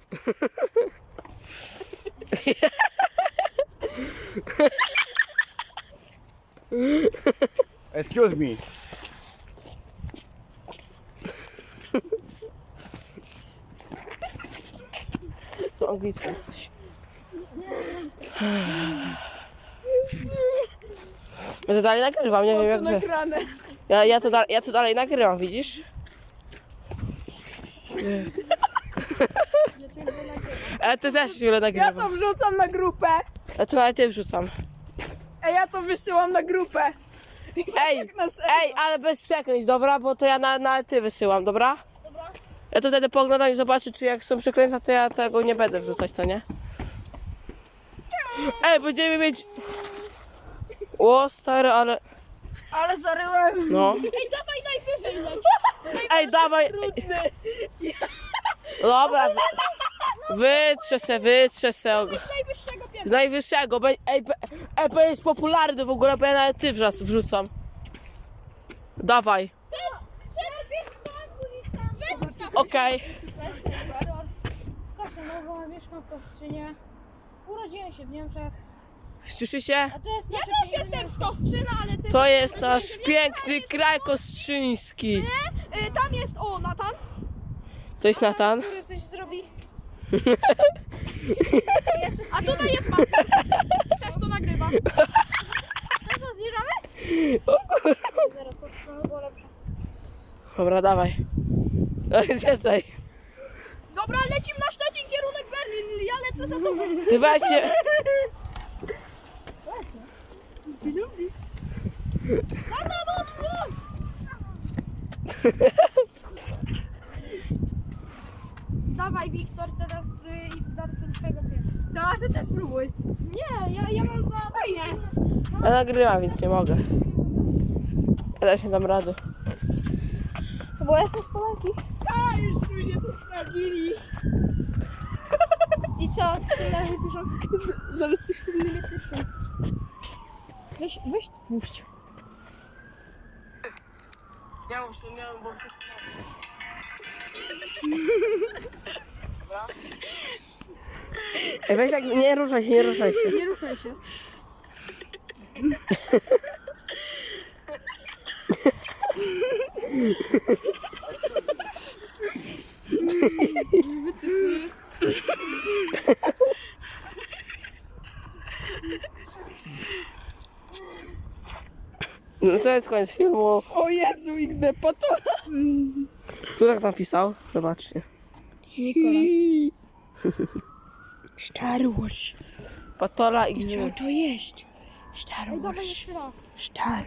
Excuse me. Angielskie coś. Ja to dalej nagrywam, nie wiem jak wy. Ja to dalej nagrywam, widzisz? Ale ty też chwilę Ja nagrywam. to wrzucam na grupę. Ja to nawet ty wrzucam. Ej, ja to wysyłam na grupę. Ej, ale bez przekleństw, dobra? Bo to ja na ty wysyłam, dobra? Dobra. Ja to wtedy poglądam i zobaczę, czy jak są przekleństwa, to ja tego nie będę wrzucać, co nie? Ej, będziemy mieć... O, stary, ale... Ale zaryłem. No. Ej, dawaj najwyżej leć. Ej, dawaj. Dobra. Wytrzę se. Najwyższego piętra. Z najwyższego. Ej, to jest popularny w ogóle, bo ja nawet ty wrzucam. Dawaj. Okej. Z Koszynowa, mieszkam w Kostrzynie. Urodziłem się w Niemczech. Słyszy się? A to jest nasze też jestem z Kostrzyna, ale ty... To jest nasz piękny kraj kostrzyński. Tam jest, Natan. To jest Natan. Który coś zrobi. A tutaj jest pan. Też to nagrywa. To co, zjeżdżamy? Zaraz, co strony było lepsze. Dobra, dawaj. Zjeżdżaj. Dobra, lecimy na Szczecin, kierunek Berlin. Ja lecę za tobą. Ty weźcie. Dawaj, Wiktor, teraz i do swojego filmu. To może ty spróbuj. Nie, ja mam za... Fajnie. Ja nagrywam, więc nie mogę. Ja też nie dam rady. Bo ja jestem z Polaki. A, już mnie to sprawdzili. I co? Co na razie piszą? Zaraz coś powinny piszą. Weź puść. Ja muszę, nie wiem, bo... Ej, weź tak, nie ruszaj się, nie ruszaj się. Nie ruszaj się. No to jest koniec filmu. O Jezu, XD, Patola. Kto tak napisał? Zobaczcie. Nikola. Star Wars. Patola i Co to jest? Ej, dawaj jeszcze raz. Star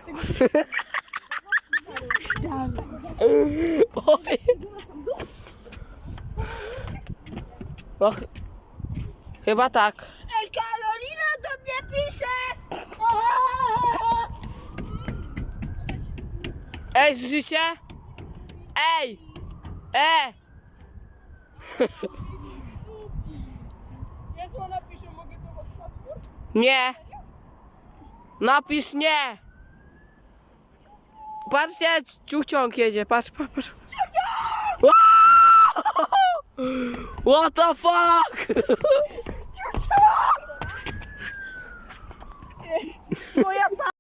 Oj. No, chyba tak. Ej, Karolina do mnie pisze! Ej, słyszycie? Ej! Jezu, napisze, mogę do was na twór? Nie! Napisz nie! Patrzcie, ciuchciąg jedzie, patrz. What the fuck? Moja